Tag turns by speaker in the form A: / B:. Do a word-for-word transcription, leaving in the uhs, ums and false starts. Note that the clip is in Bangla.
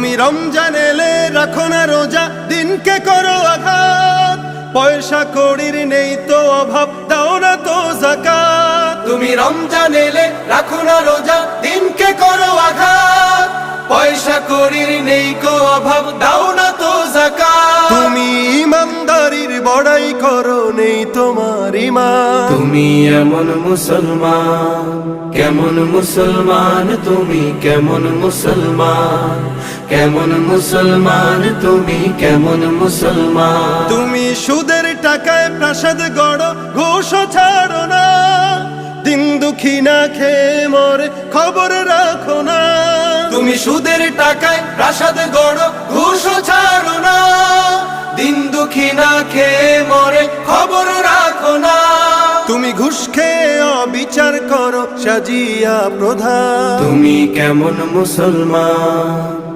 A: তুমি রমজান এলে রাখো না রোজা, দিনকে করো আঘাত, পয়সা কড়ির নেই তো অভাব, দাও না তো যাকাত। তুমি রমজান এলে রাখো না রোজা, দিনকে করো আঘাত, পয়সা কড়ির নেই কো অভাব, দাও না তো যাকাত। তুমি ইমানদারির বড়াই করো, নেই তোমার ঈমান।
B: তুমি এমন মুসলমান, কেমন মুসলমান তুমি, কেমন মুসলমান, কেমন মুসলমান তুমি, কেমন মুসলমান।
A: তুমি সুদের টাকায় প্রাসাদ গড়ো, ঘুষও ছাড়ো না, দিন দুঃখী না খেয়ে মরে খবর রাখো না। তুমি সুদের টাকায় প্রাসাদ গড়ো, ঘুষও ছাড়ো না, দিন দুঃখী না খেয়ে মরে খবর রাখো না। তুমি ঘুষ খেয়ে অবিচার করো, সাজিয়া প্রধান।
B: তুমি কেমন মুসলমান।